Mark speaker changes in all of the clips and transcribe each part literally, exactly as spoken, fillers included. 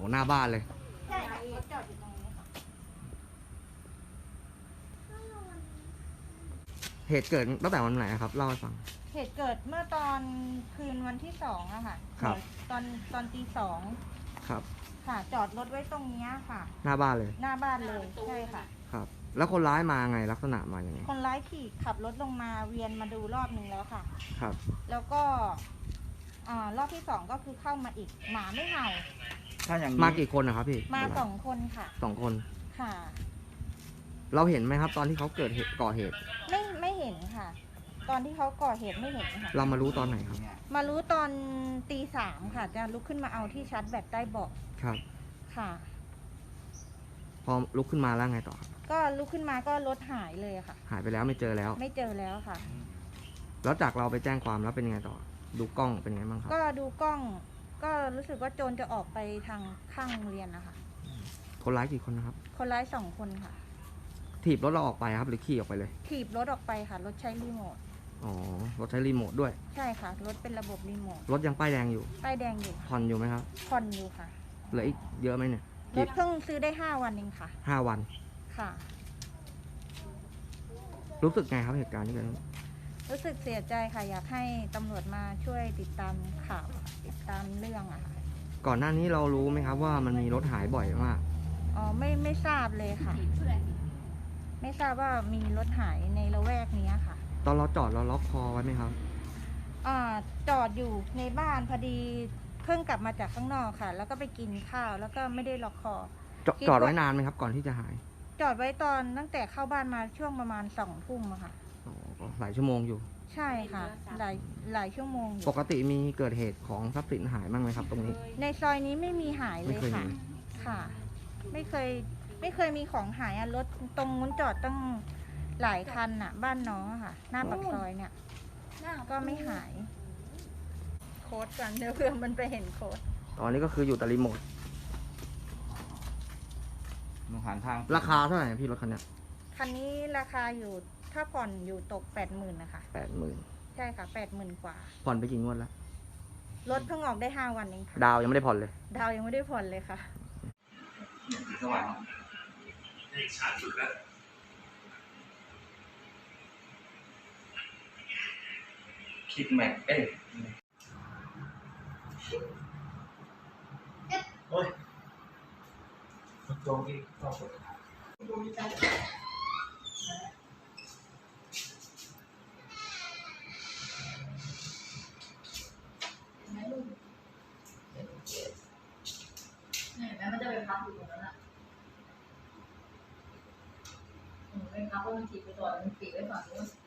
Speaker 1: หน้าบ้านเลย
Speaker 2: ใช่ค่ะรถจอดอยู่ตรงนี้ค่ะ
Speaker 1: เหตุเกิดตั้งแต่วันไหนครับเล่าให้ฟัง
Speaker 2: เหตุเกิดเมื่อตอนคืนวันที่สองอะค่ะ
Speaker 1: ครับ
Speaker 2: ตอนตอนตีสอง
Speaker 1: ครับ
Speaker 2: ค่ะจอดรถไว้ตรงนี้ค่ะ
Speaker 1: หน้าบ้านเลย
Speaker 2: หน้าบ้านเลยใช่ค่ะ
Speaker 1: ครับแล้วคนร้ายมาไงลักษณะมาอย่างไง
Speaker 2: คนร้ายขี่ขับรถลงมาเวียนมาดูรอบหนึ่งแล้วค่ะ
Speaker 1: ครับ
Speaker 2: แล้วก็อ่ารอบที่สองก็คือเข้ามาอีกหมาไม่เห่า
Speaker 1: ถ้าอย่างนี้มากี่คนนะครับพี่
Speaker 2: มาสองคนค่ะ
Speaker 1: สองคน
Speaker 2: ค่ะ
Speaker 1: เราเห็นไหมครับตอนที่เขาเกิดเหตุก่อเหตุ
Speaker 2: ไม่ไม่เห็นค่ะตอนที่เขาก่อเหตุไม่เห็นค่ะ
Speaker 1: เรามารู้ตอนไหนครับ
Speaker 2: มารู้ตอนตีสามค่ะจะลุกขึ้นมาเอาที่ชาร์จแบตใต้เบาะ
Speaker 1: ครับ
Speaker 2: ค่ะ
Speaker 1: พอลุกขึ้นมาแล้วไงต่อ
Speaker 2: ก็ลุกขึ้นมาก็รถหายเลยค่ะ
Speaker 1: หายไปแล้วไม่เจอแล้ว
Speaker 2: ไม่เจอแล้วค่ะ
Speaker 1: แล้วจากเราไปแจ้งความแล้วเป็นยังไงต่อดูกล้องเป็นยังไงบ้างครับ
Speaker 2: ก็ดูกล้องก็รู้สึกว่าโจรจะออกไปทางข้างโรงเรียนนะคะ
Speaker 1: คนร้ายกี่คนนะครับ
Speaker 2: คนร้ายสองคนค่ะ
Speaker 1: ถีบรถเราออกไปครับหรือขี่ออกไปเลย
Speaker 2: ถีบรถออกไปค่ะรถใช้รีโมท
Speaker 1: อ๋อรถใช้รีโมทด้วย
Speaker 2: ใช่ค่ะรถเป็นระบบรีโมท
Speaker 1: รถยังป้ายแดงอยู่
Speaker 2: ป้ายแดงอยู่
Speaker 1: ผ่อนอยู่ไหมครับ
Speaker 2: ผ่อนอยู่ค่ะ
Speaker 1: เหลืออีกเยอะไหมเนี่ย
Speaker 2: รถเพิ่งซื้อได้ห้าวันเองค่ะ
Speaker 1: ห้าวัน
Speaker 2: ค่ะ
Speaker 1: รู้สึกไงครับเหตุการณ์ที่เกิดขึ้น
Speaker 2: รู้สึกเสียใจค่ะอยากให้ตำรวจมาช่วยติดตามข่าวติดตามเรื่องอะค่ะ
Speaker 1: ก่อนหน้านี้เรารู้ไหมครับว่ามันมีรถหายบ่อยมาก
Speaker 2: อ๋อไม่ไม่ทราบเลยค่ะไม่ทราบว่ามีรถหายในละแวกนี้ค่ะ
Speaker 1: ตอนเราจอดเราล็อกคอไว้ไหมครับ
Speaker 2: อ่าจอดอยู่ในบ้านพอดีเพิ่งกลับมาจากข้างนอกค่ะแล้วก็ไปกินข้าวแล้วก็ไม่ได้ล็อกคอ
Speaker 1: จอดไว้นานไหมครับก่อนที่จะหาย
Speaker 2: จอดไว้ตอนตั้งแต่เข้าบ้านมาช่วงประมาณสองทุ่มอะค่ะ
Speaker 1: อ๋อหลายชั่วโมงอยู่
Speaker 2: ใช่ค่ะหลายหลายชั่วโมง
Speaker 1: ปกติมีเกิดเหตุของทรัพย์สินหายบ้างไหมครับตรงนี้
Speaker 2: ในซอยนี้ไม่มีหายเลยค่ะค่ะไม่เคยไม่เคยมีของหายอะรถตรงนู้นจอดตั้งหลายคันอะบ้านน้องอะค่ะหน้าปากซอยเนี่ยก็ไม่หายโค้ดกันเดี๋ยวเพื่อมันไปเห็นโค้ด
Speaker 1: ตอนนี้ก็คืออยู่แต่รีโมท
Speaker 3: มองหันทาง
Speaker 1: ราคาเท่าไหร่พี่รถคันนี้
Speaker 2: คันนี้ราคาอยู่ถ้าผ่อนอยู่ตกแปดหมื่นนะคะ
Speaker 1: แปดหมื่น
Speaker 2: ใช่ค่ะแปดหมื่นกว่า
Speaker 1: ผ่อนไปกี่งวดแล้ว
Speaker 2: รถเพิ่งออกได้ห้าวันเองค่ะ
Speaker 1: ดาวยังไม่ได้ผ่อนเลย
Speaker 2: ดาวยังไม่ได้ผ่อนเลยค่ะ
Speaker 3: สว่างช้าสุดแล้วคิดแม็กเอ้ยโอ้ยมันโจงที่ต้องกด
Speaker 4: เนี่ยแม่มันจะไปพักอยู่ตรงนั้นอ่ะไปพักก็มันถีบไปต่อมันปิดไว้ฝั่งนู้น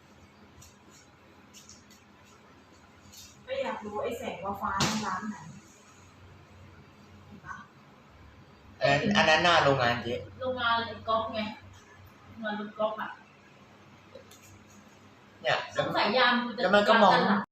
Speaker 5: ก็อยากรู้ไอ้แสงว่าฟ้าร้านไหน
Speaker 3: อันอันนั้นหน้าโรงงานเจ๊
Speaker 4: โรงงานก๊อฟไงโรงงานรถก๊อฟอ่ะ
Speaker 3: เนี่ย
Speaker 4: สงสัยยามกูจะ
Speaker 3: แล้วมันก็มอง